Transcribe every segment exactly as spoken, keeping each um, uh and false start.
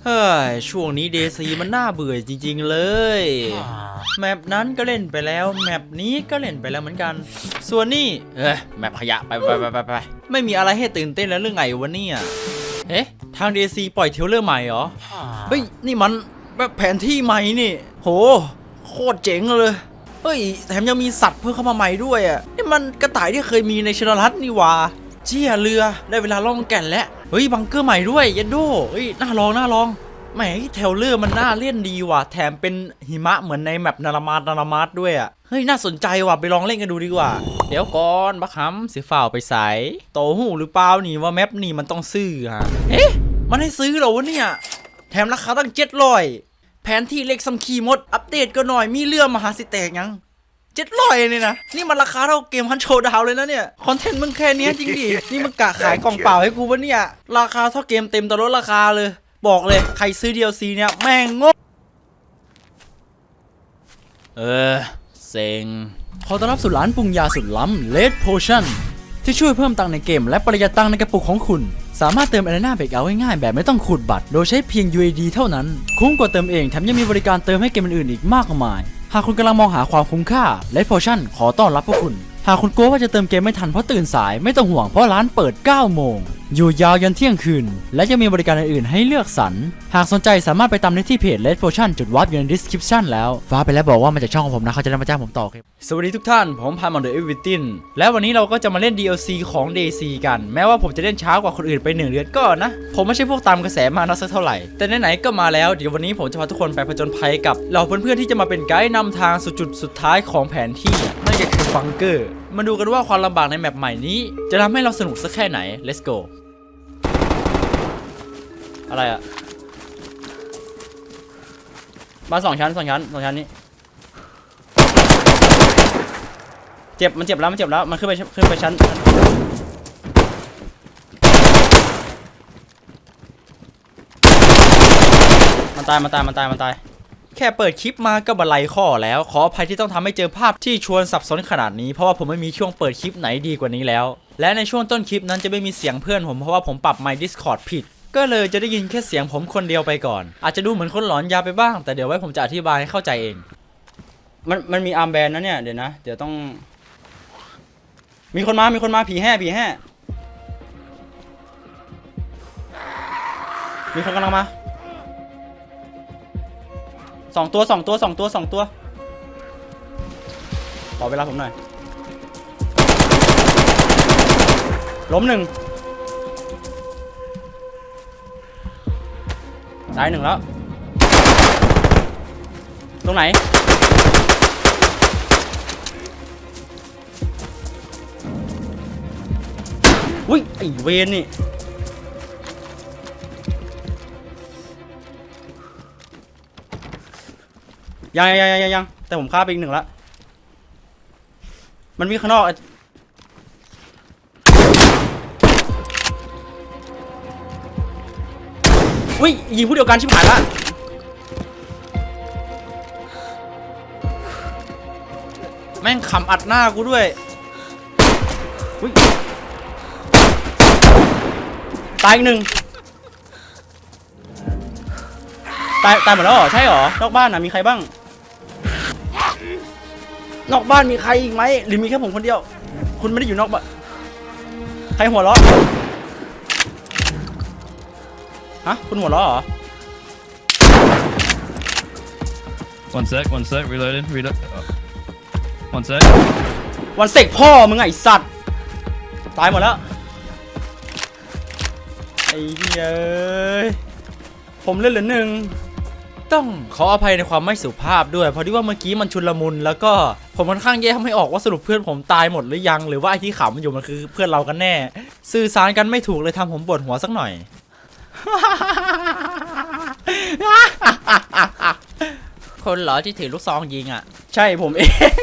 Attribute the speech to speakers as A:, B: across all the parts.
A: เฮ้ยช่วงนี้เดซีมันน่าเบื่อจริงๆเลยแมปนั้นก็เล่นไปแล้วแมปนี้ก็เล่นไปแล้วเหมือนกันส่วนนี้เอ้ยแมปขยะไปไปไปไปไปไม่มีอะไรให้ตื่นเต้นแล้วเรื่องไงวะเนี่ยเอ๊ะทางเดซีปล่อยเทรลเลอร์ใหม่เหรอเฮ้ยนี่มันแบบแผนที่ใหม่นี่โหโคตรเจ๋งเลยเฮ้ยแถมยังมีสัตว์เพิ่มเข้ามาใหม่ด้วยอ่ะนี่มันกระต่ายที่เคยมีในชนรัฐนี่วะเชี่ยเรือได้เวลาล่องแก่นแล้วเฮ้ยบังเกอร์ใหม่ด้วยเยนโดเฮ้ยน่าลองน่าลองแหมเทเลอร์มันน่าเล่นดีว่ะแถมเป็นหิมะเหมือนในแมปนารามานารามาสด้วยอ่ะเฮ้ยน่าสนใจว่ะไปลองเล่นกันดูดีกว่าเดี๋ยวก่อนบักฮัมเสียฝ่าไปใส่โตหูหรือเปล่านี่ว่าแมปนี่มันต้องซื้อฮะเอ๊ะมันให้ซื้อเหรอวะเนี่ยแถมราคาตั้งเจ็ดร้อยแผนที่เล็กซัมคีมดอัปเดตก็หน่อยมีเรื่องมหาสิแตกยังเจ็ดร้อยเนี่ยนะนี่มันราคาเท่าเกมฮันโชดาวเลยนะเนี่ยคอนเทนต์มึงแค่นี้จริงดินี่มึงกะขายกล่องเปล่าให้กูปะเนี่ยราคาเท่าเกมเต็มแต่ลดราคาเลยบอกเลยใครซื้อ ดี แอล ซี เนี่ยแม่งงงเออเซ็งขอต้อนรับสู่ร้านปรุงยาสุดล้ำ Red Potion ที่ช่วยเพิ่มตังค์ในเกมและประหยัดตังค์ในกระปุกของคุณสามารถเติม Arena Breakout ง่ายๆแบบไม่ต้องขูดบัตรโดยใช้เพียง ยู เอ ดี เท่านั้นคุ้มกว่าเติมเองแถมยังมีบริการเติมให้เกมอื่นๆอีกมากมายหากคุณกำลังมองหาความคุ้มค่า Red Potion ขอต้อนรับพวกคุณหากคุณกลัวว่าจะเติมเกมไม่ทันเพราะตื่นสายไม่ต้องห่วงเพราะร้านเปิดเก้าโมงอยู่ยาวยันเที่ยงคืนและยังมีบริการอื่นๆให้เลือกสรรหากสนใจสามารถไปตามได้ที่เพจ Red Potion จุดวาร์ปอยู่ใน description แล้วฟ้าไปแล้วบอกว่ามาจากช่องของผมนะเขาจะได้มาจ้างผมต่อครับสวัสดีทุกท่านผมพานมอนเดอร์เอวิตินและวันนี้เราก็จะมาเล่น ดี แอล ซี ของ ดี ซี กันแม้ว่าผมจะเล่นช้ากว่าคนอื่นไปหนึ่งเดือนก็นะผมไม่ใช่พวกตามกระแสมานะสักเท่าไหร่แต่ไหนๆก็มาแล้วเดี๋ยววันนี้ผมจะพาทุกคนไปผจญภัยกับเหล่าเพื่อนๆที่จะมาเป็นไกด์นำทางสู่จุดสุดท้ายของแผนที่นั่นก็คือบังเกอร์มาดูกันว่าความลำบากในแมปใหม่นี้จะทำให้เราสนุกสักแค่ไหน let's go อะไรอะบ้านสองชั้นสองชั้นสองชั้นนี้เจ็บมันเจ็บแล้วมันเจ็บแล้วมันขึ้นไปขึ้นไปชั้นมันตายมันตายมันตายมันตายแค่เปิดคลิปมาก็บันไลข้อแล้วขออภัยที่ต้องทำให้เจอภาพที่ชวนสับสนขนาดนี้เพราะว่าผมไม่มีช่วงเปิดคลิปไหนดีกว่านี้แล้วและในช่วงต้นคลิปนั้นจะไม่มีเสียงเพื่อนผมเพราะว่าผมปรับไมค์ Discord ผิดก็เลยจะได้ยินแค่เสียงผมคนเดียวไปก่อนอาจจะดูเหมือนคนหลอนยาไปบ้างแต่เดี๋ยวไว้ผมจะอธิบายให้เข้าใจเองมันมันมีอาร์มแบนด์นะเนี่ยเดี๋ยวนะเดี๋ยวต้องมีคนมามีคนมาผีแห่ผีแห่มีคนกำลังมาสองตัวสองตัวสองตัวสองตัวขอเวลาผมหน่อยล้มหนึ่งตายหนึ่งแล้วตรงไหนอุ้ยไอเวนนี่ยังยังยังยังแต่ผมฆ่าไปอีกหนึ่งแล้วมันมีข้างนอกอุ้ยยิงผู้เดียวกันชิบหายละแม่งขำอัดหน้ากูด้วยอุ้ยตายอีกหนึ่งตายตายหมดแล้วเหรอใช่เหรอนอกบ้านน่ะมีใครบ้างนอกบ้านมีใครอีกไหมหรือมีแค่ผมคนเดียวคุณไม่ได้อยู่นอกบ้านใครหัวเราะฮะคุณหัวเราะเหรอ
B: one sec one sec reloading reload one sec
A: วันเสกพ่อมึงไอ้สัตว์ตายหมดแล้วไอ้เหี้ยผมเล่นเหลือหนึ่งต้องขออภัยในความไม่สุภาพด้วยเพราะที่ว่าเมื่อกี้มันชุลมุนแล้วก็ผมค่อนข้างแยกไม่ออกว่าสรุปเพื่อนผมตายหมดหรือยังหรือว่าไอ้ที่ขำมันอยู่มันคือเพื่อนเรากันแน่สื่อสารกันไม่ถูกเลยทำผมปวดหัวสักหน่อย คนเหรอที่ถือลูกซองยิงอ่ะใช่ผมเอง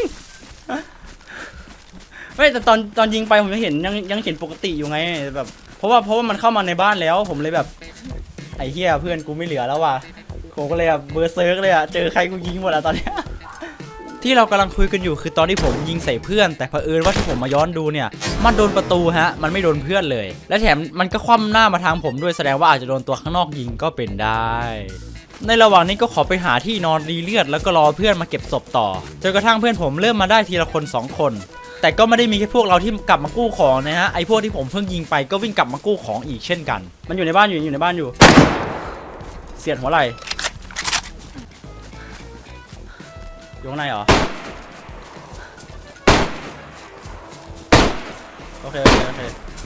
A: ไม่แต่ตอนตอนยิงไปผมยังเห็นยังยังเห็นปกติอยู่ไงแบบเพราะว่าเพราะว่ามันเข้ามาในบ้านแล้วผมเลยแบบไอ้เหี้ยเพื่อนกูไม่เหลือแล้วว่ะผมก็เลยแบบเบอร์เซิร์กเลยอ่ะเจอใครกูยิงหมดอ่ะตอนเนี้ยที่เรากำลังคุยกันอยู่คือตอนที่ผมยิงใส่เพื่อนแต่เผอิญว่าที่ผมมาย้อนดูเนี่ยมันโดนประตูฮะมันไม่โดนเพื่อนเลยและแถมมันก็คว่ำหน้ามาทางผมด้วยแสดงว่าอาจจะโดนตัวข้างนอกยิงก็เป็นได้ในระหว่างนี้ก็ขอไปหาที่นอนรีเลือดแล้วก็รอเพื่อนมาเก็บศพต่อจนกระทั่งเพื่อนผมเริ่มมาได้ทีละคนสองคนแต่ก็ไม่ได้มีแค่พวกเราที่กลับมากู้ของนะฮะไอ้พวกที่ผมเพิ่งยิงไปก็วิ่งกลับมากู้ของอีกเช่นกันมันอยู่ในบ้านอยู่อยู่ในบ้านอยู่เสียดหัวไหล่อยู่ข้างในเหรอโอเคโอเคโอเค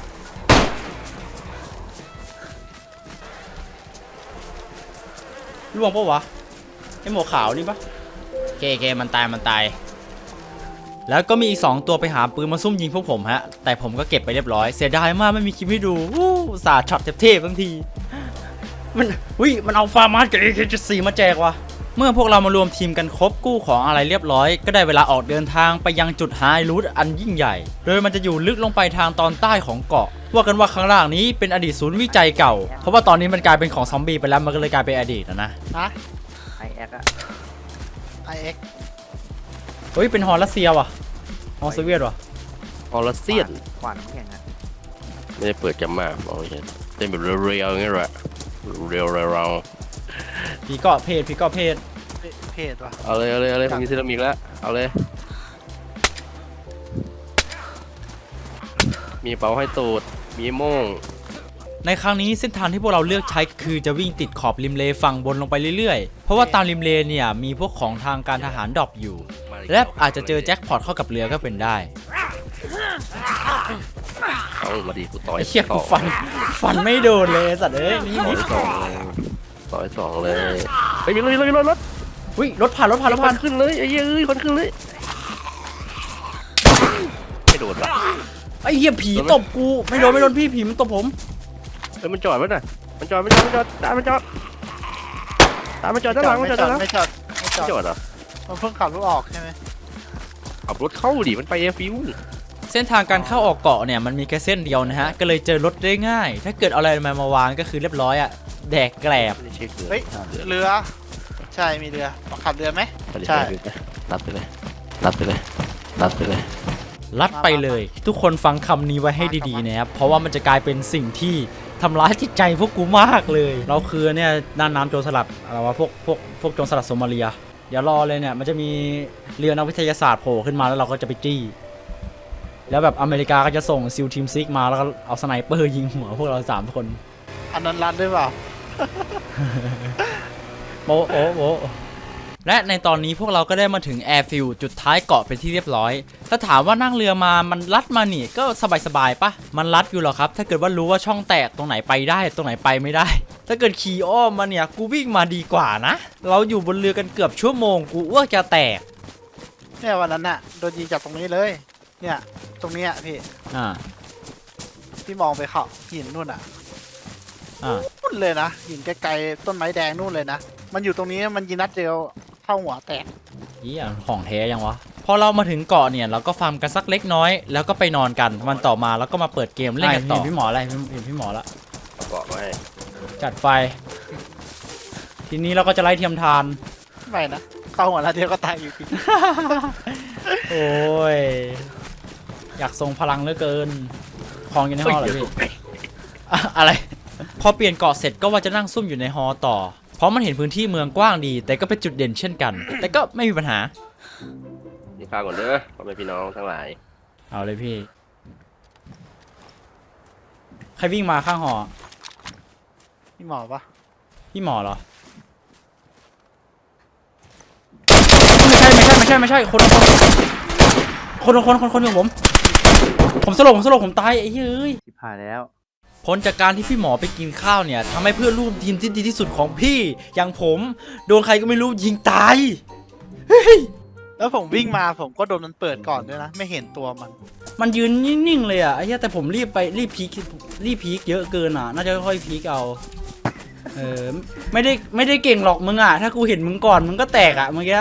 A: ล่วงปะวะไอหมวกขาวนี่ปะเคเคมันตายมันตายแล้วก็มีอีกสองตัวไปหาปืนมาซุ่มยิงพวกผมฮะแต่ผมก็เก็บไปเรียบร้อยเสียดายมากไม่มีคลิปให้ดูวู้สาดช็อตเทพๆบางทีมันวิมันเอาฟาร์มาสกับ เอ เค เจ็ดสิบสี่ มาแจกว่ะเมื่อพวกเรามารวมทีมกันครบกู้ของอะไรเรียบร้อยก็ได้เวลาออกเดินทางไปยังจุดไฮรูทอันยิ่งใหญ่โดยมันจะอยู่ลึกลงไปทางตอนใต้ของเกาะว่ากันว่าข้างล่างนี้เป็นอดีตศูนย์วิจัยเก่าเพราะว่าตอนนี้มันกลายเป็นของซอมบี้ไปแล้วมันก็เลยกลายเป็นอดีตนะนะ
C: ฮะ
D: ไอเอ็กอะ
C: ไอเอ็ก
A: เฮ้ยเป็นฮอลรัสเซียว่ะฮอลโซเวียตว่ะ
B: ออร์เซียน
D: ขวานน้ำแข็งอะ
B: ไม่ได้เปิดจำมากมองไม่เห็นเต้นแบบเรียวๆอย่างเงี้ยแหละเรียวๆเรา
A: ผีเกาะเพศผีเกาะเพศ
C: เพจวะ
B: เอาเลยเอาเลยเอาเลยผมมีเซรามิกแล้วเอาเลยมีเป๋าให้ตูดมีโม่ง
A: ในครั้งนี้เส้นทางที่พวกเราเลือกใช้คือจะวิ่งติดขอบริมเลฝั่งบนลงไปเรื่อยๆเพราะว่าตามริมเลเนี่ยมีพวกของทางการทหารดรอปอยู่และอาจจะเจอแจ็คพอตเข้ากับเรือก็เป็นได้
B: เอามาดีกูต่อย
A: ไอ้เหี้ย
B: ส
A: กู
B: อง
A: ฟันฟันไม่โดนเลยสัตว์เอ้ยนี่
B: ต่อยสองเลยต่อยสองเลยเฮ้ยมีรถมีรถมีรถรถ
A: อุ้ยรถผ่านรถผ่านรถ
B: พั
A: ผ่าน
B: นขึ้นเลยไอ้เหี้ยเอ้ยคนขึ้นเลยไม่โดนปะ
A: ไอ้เหี้ยผีตบกูไม่โดนไม่โดนพี่ผีมันตบผม
B: เฮ้ยมันจอดไว้หน่อยมันจอดมันจอดมันจอดตามมันจอดตามมันจอดด้านหลังมันจอดด้านหลัง
C: ไม่จอดไม่จอ
B: ไม่
C: ด
B: จอดเหรอ
C: มันเพิ่งขับรถออกใช่ไหม
B: ขับรถเข้าดิมันไปเอฟิว
A: เส้นทางการเข้าออกเกาะเนี่ยมันมีแค่เส้นเดียวนะฮะก็เลยเจอรถได้ง่าย ถ้าเกิดเอาอะไรมามาวางก็คือเรียบร้อยอะแดกแกลบ
B: ไม่ได้เช็คเลย
C: เฮ้ยเรือใช่มีเรือขับเรือไหม
B: ไม่ได้
C: ใช่
B: เช็คเลยรัดไปเลยรัดไปเลยรัดไปเลย
A: ลัดไปเลย ทุกคนฟังคำนี้ไว้ให้ดีๆนะครับเพราะว่ามันจะกลายเป็นสิ่งที่ทำร้ายจิตใจพวกกูมากเลย เราคือเนี่ยน่านน้ำโจรสลัดอะไรวะพวกพวกพวกโจรสลัดโซมาเลียเดี๋ยวรอเลยเนี่ยมันจะมีเรือนักวิทยาศาสตร์โผล่ขึ้นมาแล้วเราก็จะไปจี้แล้วแบบอเมริกาก็จะส่งซิลทีมซิกมาแล้วก็เอาสไนเปอร์ยิงหัวพวกเราสามคน
C: อันนั้นรัดด้วยเปล่า
A: โอ้โอ้โอ้และในตอนนี้พวกเราก็ได้มาถึงแอร์ฟิลด์จุดท้ายเกาะเป็นที่เรียบร้อยถ้าถามว่านั่งเรือมามันลัดมานี่ก็สบายๆปะมันลัดอยู่หรอครับถ้าเกิดว่ารู้ว่าช่องแตกตรงไหนไปได้ตรงไหนไปไม่ได้ ถ้าเกิดขี่อ้อมมาเนี่ยกูวิ่งมาดีกว่านะเราอยู่บนเรือกันเกือบชั่วโมงกูอ้วกจะแตก
C: เนี่ยวันนั้นน่ะโดนยิงจากตรงนี้เลย เนี่ยตรงเนี้ยพี่
A: อ่า
C: พี่มองไปเขาหินนู่นอ่ะ
A: อ่า
C: นู่นเลยนะหินไกลๆต้นไม้แดงนู่นเลยนะมันอยู่ตรงนี้มันยิงนัดเดียวเข้าหัวแตก
A: เหี้ยของแท้ยังวะพอเรามาถึงเกาะเนี่ยเราก็ฟาร์มกันสักเล็กน้อยแล้วก็ไปนอนกันวันต่อมาแล้วก็มาเปิดเกมเล่นกันต่อพี่หมออะไรเห็นพี่หมอละ
B: เกาะไว้
A: จัดไฟ ทีนี้เราก็จะไล่เทียมทาน
C: ไม่นะเข้าหัวนัดเดียวก็ตายอยู่ดี
A: โอ้ย อยากทรงพลังเหลือเกินคลองอยู่ในฮอเหรอพี่อะอะไร พอเปลี่ยนเกาะเสร็จก็ว่าจะนั่งซุ่มอยู่ในฮอต่อ เพราะมันเห็นพื้นที่เมืองกว้างดี แต่ก็เป็นจุดเด่นเช่นกัน แต่ก็ไม่มีปัญหา
B: นี่ข้าวก่อนเด้อพ่อแม่พี่น้องทั้งหลาย
A: เอาเลยพี่ ใครวิ่งมาข้างหอ
C: พี่หมอปะ
A: พี่หมอเหรอ ไม่ใช่ไม่ใช่ไม่ใช่ไม่ใช่คนละคนคนคนคนคนอย่างผม ผมสลบผมสลบผมตายไอ้เฮ้ย
D: ชิบหายแล้ว
A: ผลจากการที่พี่หมอไปกินข้าวเนี่ยทำให้เพื่อนร่วมทีมที่ดีที่สุดของพี่อย่างผมโดนใครก็ไม่รู้ยิงตายเฮ้ย
C: แล้วผมวิ่งมาผมก็โดนมันเปิดก่อนด้วยนะไม่เห็นตัวมัน
A: มันยืนนิ่งๆเลยอ่ะไอ้เหี้ยแต่ผมรีบไปรีบพีครีบพีคเยอะเกินอ่ะน่าจะค่อยๆพีคเอาเออไม่ได้ไม่ได้เก่งหรอกมึงอ่ะถ้ากูเห็นมึงก่อนมึงก็แตกอ่ะเมื่อกี้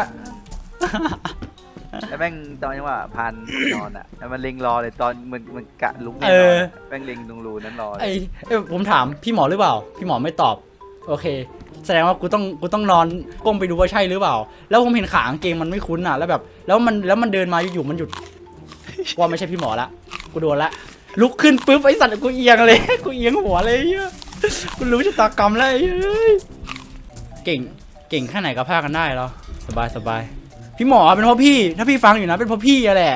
D: แล้วแม่งตอนนี้ว่าพันนอนอ่ะแล้วมันเล็งรอเลยตอนมันมันกะลุกแน่
A: เอน
D: อ
A: อ
D: นแม่งเล็งตรงรูนั้นรอเลย
A: ไอ้เอ้ยผมถามพี่หมอหรือเปล่า พี่หมอไม่ตอบ โอเคแสดงว่ากูต้องกูต้องนอนก้มไปดูว่าใช่หรือเปล่า แล้วผมเห็นขากางเกงมันไม่คุ้นอ่ะแล้วแบบแล้วมันแล้วมันเดินมาอยู่ๆมันหยุดว่าไม่ใช่พี่หมอละกูโดนละลุกขึ้นปุ๊บไอ้สัตว์กูเอียงเลยกูเอียงหัวเลยเหี้ยกูรู้ชะตากรรมแล้วไอ้เฮ้ยเก่งเก่งแค่ไหนก็พากันได้เหรอสบายสบายพี่หมอเป็นเพราะพี่ถ้าพี่ฟังอยู่นะเป็นเพราะพี่อะแหละ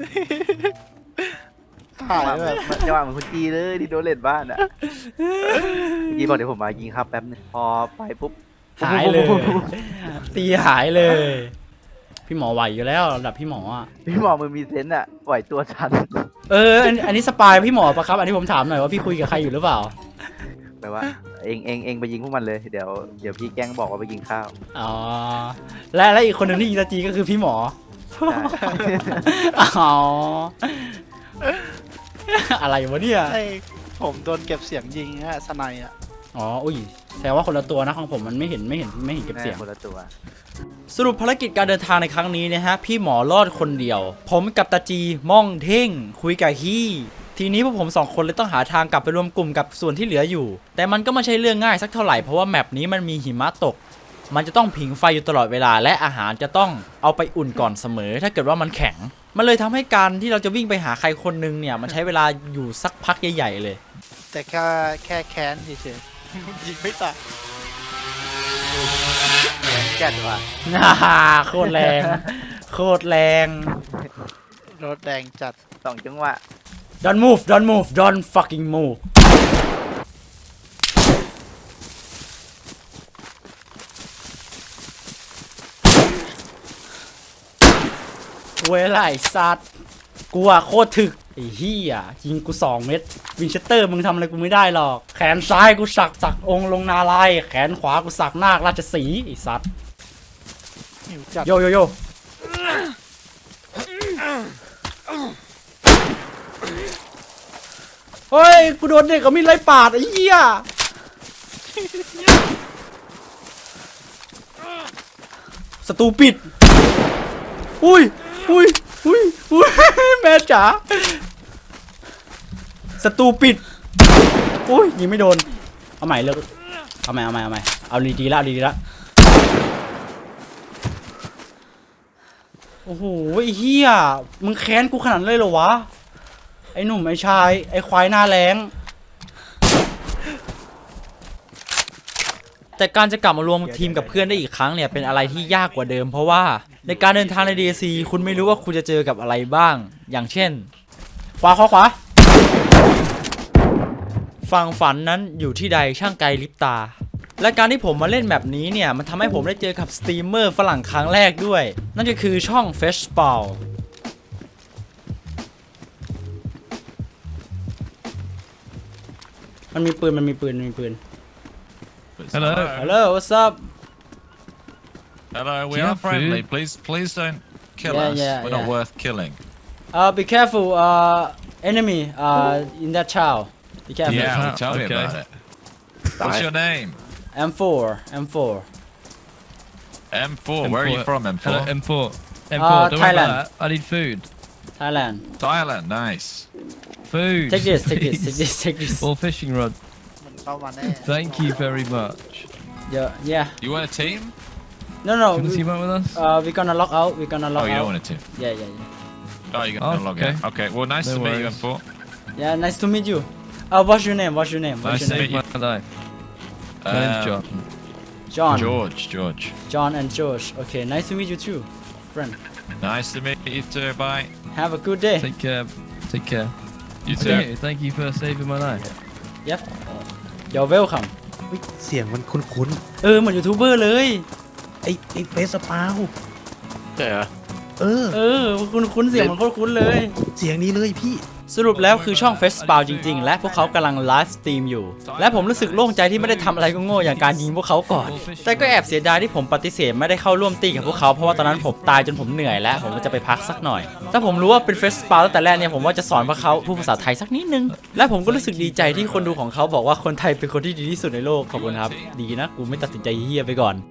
C: ถ่าย
D: จังหวะ
C: แบบ
D: เหมือนจังหวะเหมือนคุณจีเลยที่โดนเล่นบ้านอ่ะจีบอกเดี๋ยวผมมายิงครับแป๊บนึงพอไปปุ๊บ
A: หายเลย ตีหายเลย พี่หมอไหวอยู่แล้วระดับพี่หมออ่ะ
D: พี่หมอมือมีเซนส์อ่ะไหวตัวทัน
A: เอออันอันนี้สปายพี่หมอปะครับอันนี้ผมถามหน่อยว่าพี่คุยกับใครอยู่หรือเปล่า
D: แปลว่าเองเองเองไปยิงพวกมันเลยเดี๋ยวเดี๋ยวพี่แกล้งบอกว่าไปกินข้าว
A: อ๋อและและอีกคนหนึ่งที่ยิงตาจีก็คือพี่หมอ
D: ใช่
A: อ๋ออะไรวะเนี่ย
C: ให้ผมโดนเก็บเสียงยิงฮะสไนอ่ะ
A: อ๋ออุ้ยแสดงว่าคนละตัวนะของผมมันไม่เห็นไม่เห็นไม่เห็นเก็บเสียง
D: แม่คนละตัว
A: สรุปภารกิจการเดินทางในครั้งนี้นะฮะพี่หมอรอดคนเดียว ผมกับตาจีม่องเท่ง คุยกับฮี่ทีนี้พวกผมสองคนเลยต้องหาทางกลับไปรวมกลุ่มกับส่วนที่เหลืออยู่ แต่มันก็ไม่ใช่เรื่องง่ายสักเท่าไหร่เพราะว่าแมปนี้มันมีหิมะตก มันจะต้องผิงไฟอยู่ตลอดเวลาและอาหารจะต้องเอาไปอุ่นก่อนเสมอ ถ้าเกิดว่ามันแข็ง มันเลยทำให้การที่เราจะวิ่งไปหาใครคนนึงเนี่ยมันใช้เวลาอยู่สักพักใหญ่ๆเลย
C: แต่แค่แค่แค้นเฉยๆยิงไม่ตาย
D: แก่นว่ะ
A: น่าโคตรแรงโคตรแรง
C: รถแดงจัด
D: สองจังหวะ
A: don't move don't move don't fucking move เวลาไอ้สัตว์กูอะโคตรถึกไอ้เหี้ยยิงกูสองเม็ดวินเชสเตอร์มึงทำอะไรกูไม่ได้หรอกแขนซ้ายกูสักสักองค์ลงนาลายณ์แขนขวากูสักนาคราชสีห์ไอ้สัตว์
C: หิวจัด
A: โยโยโยเฮ้ยกูโดนเด็กกับมีดไล่ปาดไอ้เหี้ยสตูปิดอุ้ยอุ้ยอุ้ยอุ้ยแม่จ๋าสตูปิดอุ้ยยิงไม่โดนเอาใหม่เลิกเอาใหม่เอาใหม่เอาใหม่เอาดีๆละเอาดีๆละโอ้โหไอ้เหี้ยมึงแค้นกูขนาดนั้นเลยเหรอวะไอ้หนุ่มไอ้ชายไอ้ควายหน้าแรงแต่การจะกลับมารวมทีมกับเพื่อนได้อีกครั้งเนี่ยเป็นอะไรที่ยากกว่าเดิมเพราะว่าในการเดินทางใน ดี ซี คุณไม่รู้ว่าคุณจะเจอกับอะไรบ้างอย่างเช่นขวาขวาขวาฝั่งฝันนั้นอยู่ที่ใดช่างไกลลิบตาและการที่ผมมาเล่นแบบนี้เนี่ยมันทำให้ผมได้เจอกับสตรีมเมอร์ฝรั่งครั้งแรกด้วยนั่นก็คือช่อง เฟช เปา มันมีปืนมันมีปืนมันมีปืน
E: Hello.
A: Hello what's up
E: Hello, we
B: Do you
E: are
B: have
E: friendly.
B: food?
E: Please, please don't kill
A: Yeah,
E: us.
A: yeah,
E: We're
A: yeah.
E: not worth killing.
A: uh be careful uh enemy uh in that child be careful
E: Yeah, well,
B: Ah,
E: tell me
B: okay.
E: about it. What's your name?
A: M four M four
E: M four. Where are you from, M four?
B: Hello, M four. M four.
A: Uh,
B: don't worry
A: Thailand.
B: about that. I need food.
A: Thailand
E: Thailand. Nice.
B: Food.
A: take this take this take
B: please.
A: this take this
B: Or fishing rod.
C: มันเข้ามาแน่
B: Thank you very much.
A: yeah yeah
E: You want a team?
A: no no
B: Can you
A: we,
B: team up with us?
A: uh we gonna lock out we gonna lock
E: Oh, you
A: out
E: don't want a team.
A: yeah yeah yeah
E: Oh, you're gonna
B: Oh,
E: log
B: okay.
E: in. Okay. Well, nice
B: No
E: to meet you,
B: worries.
E: M four.
A: yeah nice to meet you uh what's your name what's your name what's
E: Nice
A: your
E: to
A: name
E: meet
B: Saved my life. My name's
E: Um,
B: John.
A: John
E: George. George.
A: John and George okay nice to meet you too friend
E: Nice to meet you too. Bye.
A: have a good day
B: Take care. Take care.
E: You too.
B: Okay, thank you for saving my life.
A: yep you're welcome
F: เฮ้ยเสียงมันคุ้น
A: เออเหมือนยูทูบเบอร์เลย
F: ๆ ไอ้ไอ้เฟสปาว
B: ใช่เหรอ
F: เออ
A: เออคุณคุ้นเสียงมันโคตรคุ้นเลย
F: เสียงนี้เลยพี่
A: สรุปแล้วคือช่อง เฟส เปา จริงๆ และพวกเขากำลังไลฟ์สตรีมอยู่ และผมรู้สึกโล่งใจที่ไม่ได้ทำอะไรก็โง่อย่างการยิงพวกเขาก่อน แต่ก็แอบเสียดายที่ผมปฏิเสธไม่ได้เข้าร่วมตีกับพวกเขาเพราะว่าตอนนั้นผมตายจนผมเหนื่อยแล้วผมก็จะไปพักสักหน่อย ถ้าผมรู้ว่าเป็น เฟส เปา ตั้งแต่แรกเนี่ยผมว่าจะสอนพวกเขาพูดภาษาไทยสักนิดนึง และผมก็รู้สึกดีใจที่คนดูของเขาบอกว่าคนไทยเป็นคนที่ดีที่สุดในโลกขอบคุณครับดีนะกูไม่ตัดสินใจเฮี้ยไปก่อน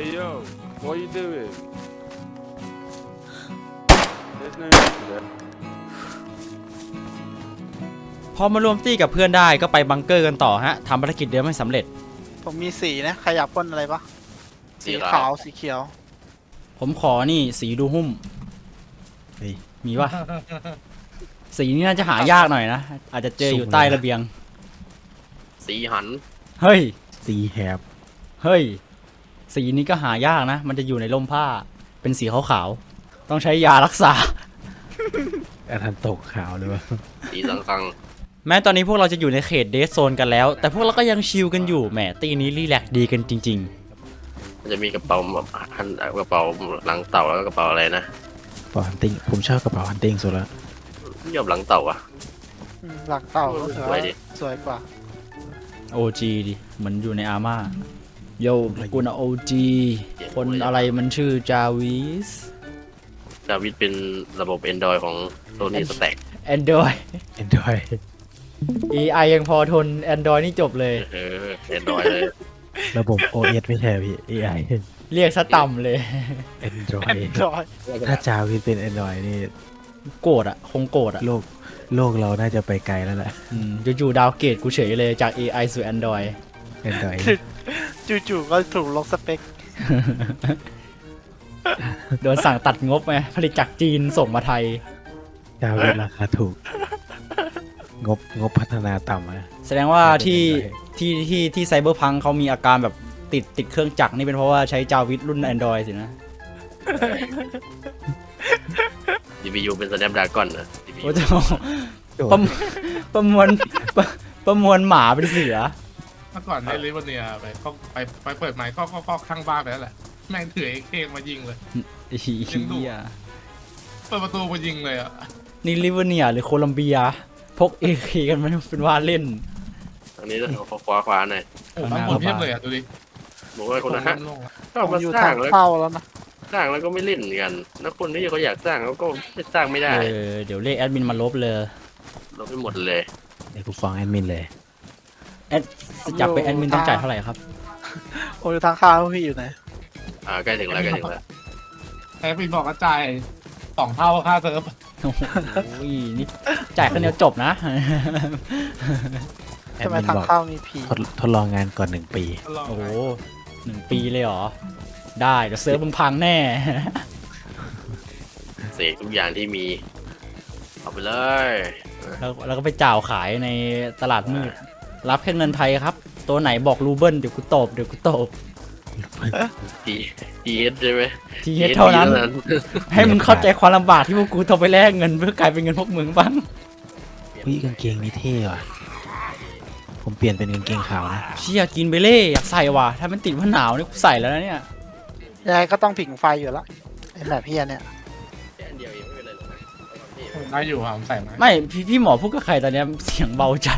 G: Hey yo, what you doing? There's no need there.
A: พอมารวมตี้กับเพื่อนได้ก็ไปบังเกอร์กันต่อฮะทำภารกิจเดิมให้สำเร็จ
C: ผมมีสีนะใครอยากพ่นอะไรปะสีขาวสีเขียว
A: ผมขอนี่สีดูหุ้ม
F: เฮ้ย
A: มีปะ สีนี้น่าจะหายากหน่อยนะ อาจจะเจออยู่ใต้ระเบียง
B: สีหัน
A: เฮ้ย
F: สีแฮบ
A: เฮ้ย สีนี้ก็หายากนะ มันจะอยู่ในร่มผ้า เป็นสีขาวๆ ต้องใช้ยารักษา
F: อาทันตกขาวเลยวะ
B: สีสังคัง
A: แม้ตอนนี้พวกเราจะอยู่ในเขตเดสโซนกันแล้ว แต่พวกเราก็ยังชิลกันอยู่ แหมตีนี้รีแลกซ์ดีกันจริง
B: มันจะมีกระเป๋าหันกระเป๋าหลังเต่าแล้วก็กระเป๋าอะไรนะ
F: กระเป๋าฮันติงผมชอบกระเป๋าฮันติงสุดละ
B: ยอมหลังเต่าอะ
C: อืมหลักเต่าก็ถือ
B: สว
C: ว่าย
B: ดิ
C: สวยกว่า
A: ๆ โอ จี ดิ เหมือนอยู่ในอาร์มาโยกูนะ โอ จี คนอะไรมันชื่อจาวิส
B: จาวิดเป็นระบบ Android ของโ o นี่สแต็ก
A: Android
F: เอ็นดอย
A: เอ ไอ ยังพอทน Android นี่จบเลย
B: เออ Android เลย
F: ระบบ โอ เอส ไม่ใช่พี่ เอ ไอ
A: เรียกซะต่ำเลย
F: แอนดรอ
C: แอน
F: ย
C: ดรอย
F: ถ้าจาวินเป็นแอนดรอยนี่
A: โกรธอะคงโกรธอะ
F: โลกโลกเราน่าจะไปไกลแล้วแหละ
A: อืมจู่ๆดาวเกตกูเฉยเลยจาก เอ ไอ สู่ Android
F: แอนดรอย
C: จู่ๆก็ถูกลงสเปค
A: โดนสั่งตัดงบไงผลิตจากจีนส่งมาไทย
F: จาวินราคาถูก งบงบพัฒนาต่ำอะ
A: แสดงว่าที่ที่ที่ที่ไซเบอร์พังเขามีอาการแบบติดติดเครื่องจักรนี่เป็นเพราะว่าใช้จาวิสรุ่น Android สินะ
B: ซี พี ยู เป็น Snapdragon นะ ซี พี ยู
A: โอ้โหประมประมวลประประมวลหมาเป็นเสือ
H: เมื่อก่อนในลิเวอร์เนียไปก็ไปไปเปิดไมค์ก็ก็ก็ข้างบ้านไปแล้วแหละแม่งถือเอเคมายิงเลย
A: ไอ้เหี้ย
H: เปิดประตูมายิงเลยอ่ะ
A: นี่ลิเวอร์เนียหรือโคลัมเบีย พก เอ เค กันมันเป็นว่าเล่น
B: อันนี้เอาขวาขวาหน่อย
H: โอ้บางคนเพียบเลยอ่ะดูดิ
B: บอกว่าคนนะฮะ
H: ลงอะ
B: ก็
C: ผม
B: มา
C: อยู่
B: สร้า
C: ทาง ง
B: แล้ว
C: เข้าแล้วนะ
B: สร้างแล้วก็ไม่เล่นกันแล้วคนที่เขาอยากสร้างเขาก็สร้างไม่ได้
A: เออเดี๋ยวเรียกแอดมินมาลบเลย
B: เราไปหมดเลย
F: ในกูฟ้องแอดมินเลย
A: แอดจับเป็นแอดมินต้องจ่ายเท่าไหร่ครับ
C: ผมอยู่ทางเข้าพี่อยู่ไหน
B: อ่าใกล้ถึงแล้วใกล้ถึงแล้ว
H: แต่พี่บอกกระจายสองเท่าค่าเซิร์ฟ
A: โอ้โหนี่จ่ายคนเดียวจบนะ
F: แอ
C: ทำ
F: ด
C: ไม
F: มิน
C: ทาง
F: บอก
C: เข้ามีผี
F: ทดทดลองงานก่อนหนึ่งปี
A: โอ้โหหนึ่งปีเลยเหรอ ได้เดี๋ยวเซิร์ฟมึงพังแน่
B: เสกทุกอย่างที่มีเอาไปเลย
A: แล้วแล้วก็ไปจ่าวขายในตลาดมืด รับแค่เงินไทยครับ ตัวไหนบอกรูเบิลเดี๋ยวกูตบเดี๋ยวกูตบ
B: ทีทีเอสใช่ไหม
A: ทีเท่านั้น ให้มึงเข้าใจความลำบากที่พวกกูต้องไปแลกเงินเพื่อกลายเป็นเงินพวกมึงบ้าง
F: พี่กางเกงนี่เท่ว่ะ ผมเปลี่ยนเป็นกางเกงขาวนะ
A: เชี่ยกินไปเล่อยากใส่ว่ะถ้ามันติดว่าหนาวนี่กูใส่แล้วนะเนี่ย
C: ยังไงก็ต้องผิงไฟอยู่แล้วไอ้แบบเพี้ยเนี่ย
B: แค่อันเดียวเองไม่เป็นไรหรอกนะ
H: ได้อยู่อ่ะผมใส่มา
A: ไม่พี่พี่หมอพูดกับใครตอนเนี้ยเสียงเบาจัด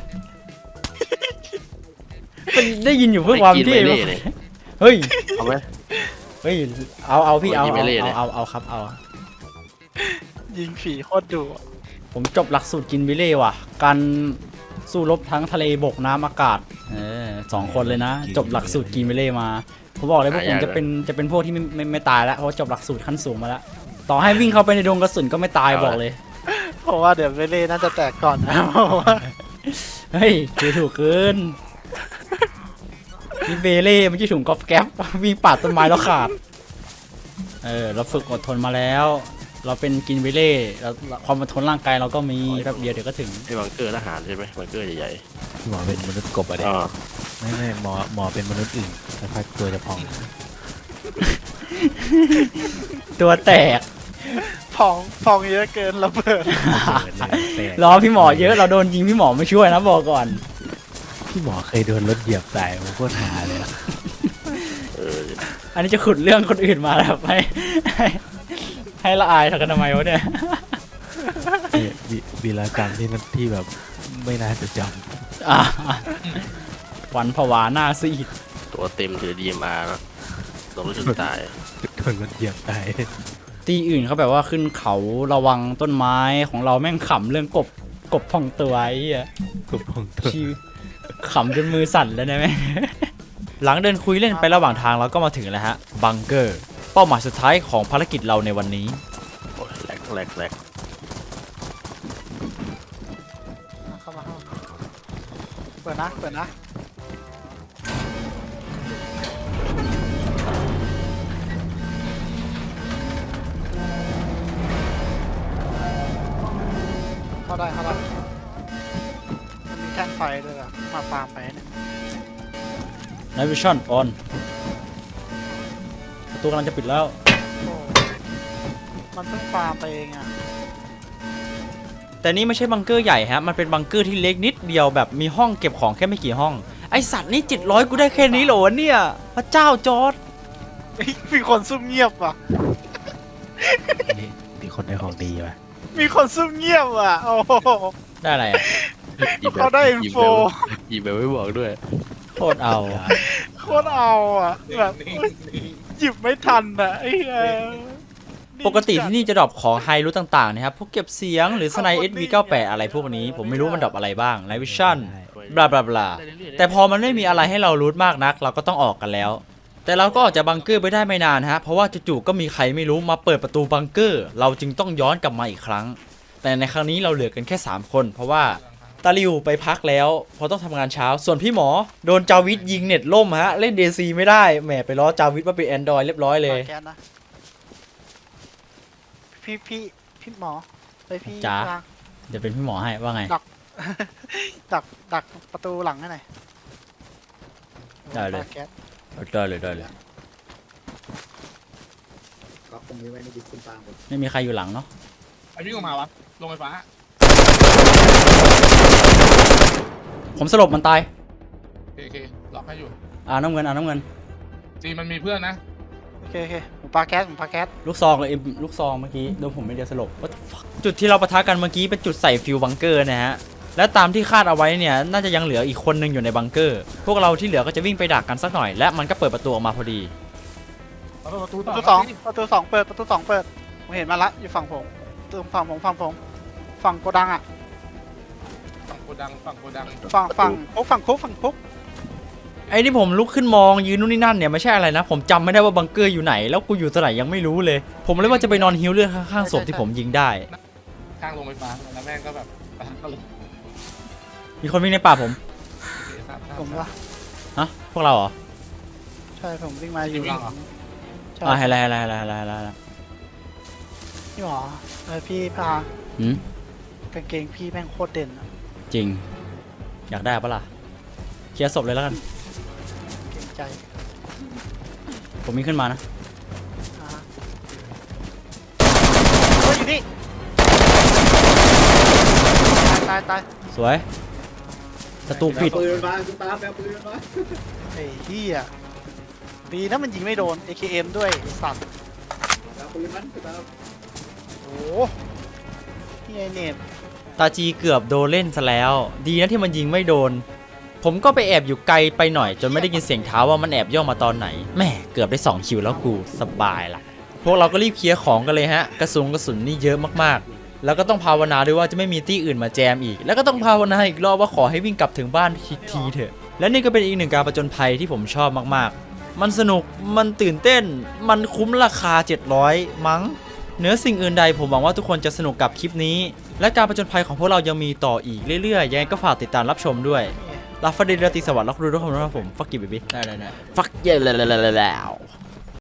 A: มันได้ยินอยู่เพื่อความเท่
B: ไม่กินไม่เล่เลย
A: เฮ้ย
B: เอาไหม
A: เฮ้ยเอาเอาพี่เอา
B: ไม่
A: เอา
B: เล่เลย
A: เอาเอาเอาครับเอา
C: ยิงผีโคตรดุ
A: ผมจบหลักสูตรกินบิเล่ว่ะ การสู้รบทั้งทะเลบกน้ำอากาศเออสองคนเลยนะ จบหลักสูตรกินบิเล่มาผมบอกเลยพวกผมจะเป็นจะเป็นพวกที่ไม่ไม่ไม่ตายแล้วเพราะจบหลักสูตรขั้นสูงมาแล้ว ต่อให้วิ่งเข้าไปในดงกระสุนก็ไม่ตายบอกเลย
C: เพราะว่าเดี๋ยวเวเล่น่าจะแตกก่อนนะเพราะว่า
A: เฮ้ยคือถูกเกินนี่เบเล่ไม่ใช่ถุงกอล์ฟแก๊ปวิ่งปาดต้นไม้แล้วขาดเออเราฝึกอดทนมาแล้ว เราเป็นกินเบเล่แล้วความอดทนร่างกายเราก็มีแป๊บเดียวเดี๋ยวก็ถึง
B: ไอ้บังเกอร์ทหารใช่ไหมบังเกอร์ใหญ่
F: หมอเป็นมนุษย์กบอะ
B: ๆ
F: เด็
B: อ๋อ
F: ไม่ไม่หมอหมอเป็นมนุษย์อื่นแต่พักตัวจะพอง
A: ตัวแตก
C: พองพองเยอะเกินระเบิด
A: รอพี่หมอเยอะเราโดนยิงพี่หมอไม่ช่วยนะบอกก่อน
F: พี่หมอเคยโดนรถเหยียบตายผมโคตรหาเลยอะ
B: เออ
A: อันนี้จะขุดเรื่องคนอื่นมาแล้วให้ให้ให้ละอายทำกันทำไมวะเนี่ย
F: นี่วีวีรกรรมที่นั่นที่แบบไม่น่าจะจ
A: อ่ะหวันผวาหน้าซีด
B: ตัวเต็มคือ ดี เอ็ม อาร์ นะลงรถจนตาย
F: ำโดนรถเหยียบตาย
A: ตีอื่นเขาแบบว่าขึ้นเขาระวังต้นไม้ของเราแม่งขำเรื่องกบกบพองตัวไอ้เหี้ย
F: กบพองตัว
A: ชีขำจนมือสั่นแล้วนะแม่ หลังเดินคุยเล่นไประหว่างทางเราก็มาถึงแล้วฮะบังเกอร์เป้าหมายสุดท้ายของภารกิจเราในวันนี้
B: โอ้ยแหลกแหลกแหลก
C: เข้ามาเข้ามาเปิดนะเปิดนะเข้าได้เข้าได้มันมีแท่งไฟด้วยอะมาฟาร์มไปเนี่ย
A: Night Vision on ประตูกำลังจะปิดแล้ว
C: โอ้มันเพิ่งฟาร์มไปเองอะ
A: แต่นี่ไม่ใช่บังเกอร์ใหญ่ฮะมันเป็นบังเกอร์ที่เล็กนิดเดียวแบบมีห้องเก็บของแค่ไม่กี่ห้องไอสัตว์นี่เจ็ดร้อยกูได้แค่นี้เหรอวะเนี่ยพระเจ้าจอร์ด
C: เฮ้ยมีคนซุ่มเงียบว่ะ
F: นี่มีคนได้ของดีว่ะ
C: มีคนซุ่มเงียบว่ะ โอ้โห
A: ได้อะไรอ่ะ
C: เขาได้อินโฟ
B: อีแบบไม่บอกด้วย
A: โคตรเอาอะ
C: โคตรเอาอ่ะ แบบ
H: นี่นี่
C: หยิบไม่ทันอ่ะไอ้เหี้ย
A: ปกติที่นี่จะดรอปของไฮรูทต่างๆนะครับพวกเก็บเสียงหรือสไนเอสวีเก้าแปดอะไรพวกนี้ผมไม่รู้มันดรอปอะไรบ้างไลวิชั่นบลาบลาบลาแต่พอมันไม่มีอะไรให้เรารูทมากนัก เราก็ต้องออกกันแล้ว แต่เราก็ออกจากบังเกอร์ไปได้ไม่นานฮะเพราะว่าจู่ๆก็มีใครไม่รู้มาเปิดประตูบังเกอร์เราจึงต้องย้อนกลับมาอีกครั้ง แต่ในครั้งนี้เราเหลือกันแค่สามคน เพราะว่าตาลิวไปพักแล้วเพราะต้องทำงานเช้าส่วนพี่หมอโดนจาวิทยิงเน็ตล่มฮะเล่น เด ซี ไม่ได้แหมไปล้อจาวิทว่าเป็น Android เรียบร้อยเลย
C: แก๊สนะพี่พี่พี่หมอไปพี่
A: จ๋า
C: วาง
A: เดี๋ยวเป็นพี่หมอให้ว่าไง
C: ดักดักประตูหลังให้หน่อย
A: ได้เลย
C: ปาแก๊ส
A: ได้เลยได้เลยไม่มีใครอยู่หลังเนาะ
H: ไอ้วิ่งออกมาวะลงไฟฟ้า
A: ผมสลบมันตาย
H: โอเคโอเคล็อกให้อยู่
A: อ่าน้ำเงินอ่าน้ำเงิน
H: จีมันมีเพื่อนนะ
C: โอเคโอเคผมปาแก๊สผมปาแก๊ส
A: ลูกซองเลยเอ็มลูกซองเมื่อกี้โดนผมไม่เดียวสลบ What the fuck จุดที่เราปะทะกันเมื่อกี้เป็นจุดใส่ฟิวบังเกอร์นะฮะและตามที่คาดเอาไว้เนี่ยน่าจะยังเหลืออีกคนนึงอยู่ในบังเกอร์พวกเราที่เหลือก็จะวิ่งไปดักกันสักหน่อยและมันก็เปิดประตูออกมาพอดี
H: เอาประตู
C: ป
H: ต่อ
C: ระตูสองประตูสองเปิดประตูสองเปิดผมเห็นมาละอยู่ฝั่งผมตรงฝั่งผมฝั่งผมฝั่งโกดังอ่ะ
H: ฝั่งโกดังฝั่งโกดัง
C: ฝั่งฝั่งคุกฝั่งคุกฝั่งคุก
A: ไอ้ที่ผมลุกขึ้นมองยืนนู่นนี่นั่นเนี่ยไม่ใช่อะไรนะผมจำไม่ได้ว่าบังเกอร์อยู่ไหนแล้วกูอยู่ตรงไหนยังไม่รู้เลย ผมเลยว่าจะไปนอนฮิวเลือดข้างๆศพที่ผมยิงได้
H: ข้างลงไฟฟ้าแล้วแม่งก็แบบปะทะกันเลย
A: มีคนวิ่งในป่าผม
H: โอเคทราบทราบ
C: ผมว่า
A: ฮะพวกเราเหรอ
C: ใช่ผมวิ่งมาอยู่หลังใช่
A: อ่าอะไรอะไรอะไรอะไรอะไรอะไร
C: พี่หมอเออพี่พา
A: หืม
C: กางเกงพี่แม่งโคตรเด่นอะ
A: จริง อยากได้ปะล่ะเคลียร์ศพเลยแล้วกัน
C: เกรงใจ
A: ผมวิ่งขึ้นมานะ
C: อ่าเฮ้ยอยู่นี่ตายตายตาย
A: สวยศัตรูปิด
C: ไอ้เหี้ยดีนะมันยิงไม่โดน เอ เค เอ็ม ด้วยไอ้สัตว์โอ้โหนี่ไอเนม
A: ตาจีเกือบโดนเล่นซะแล้ว ดีนะที่มันยิงไม่โดน ผมก็ไปแอบอยู่ไกลไปหน่อยจนไม่ได้ยินเสียงเท้าว่ามันแอบย่องมาตอนไหนแม่เกือบได้สองคิวแล้วกูสบายละพวกเราก็รีบเคลียร์ของกันเลยฮะกระสุนกระสุนนี่เยอะมากๆ แล้วก็ต้องภาวนาด้วยว่าจะไม่มีตี้อื่นมาแจมอีก แล้วก็ต้องภาวนาอีกรอบว่าขอให้วิ่งกลับถึงบ้านทีเถอะและนี่ก็เป็นอีกหนึ่งการประจนภัยที่ผมชอบมากๆ มันสนุกมันตื่นเต้นมันคุ้มราคาเจ็ดร้อยมั้งเหนือสิ่งอื่นใดผมหวังว่าทุกคนจะสนุกกับคลิปนี้และการประจนภัยของพวกเรายังมีต่ออีกเรื่อยๆยังไงก็ฝากติดตามรับชมด้วยลาฟาเดลติสวัสดิ์และครูทุกคนนะครับผมฟักกี้เบบี้ได้ได้ได้ฟักเย่แล้ว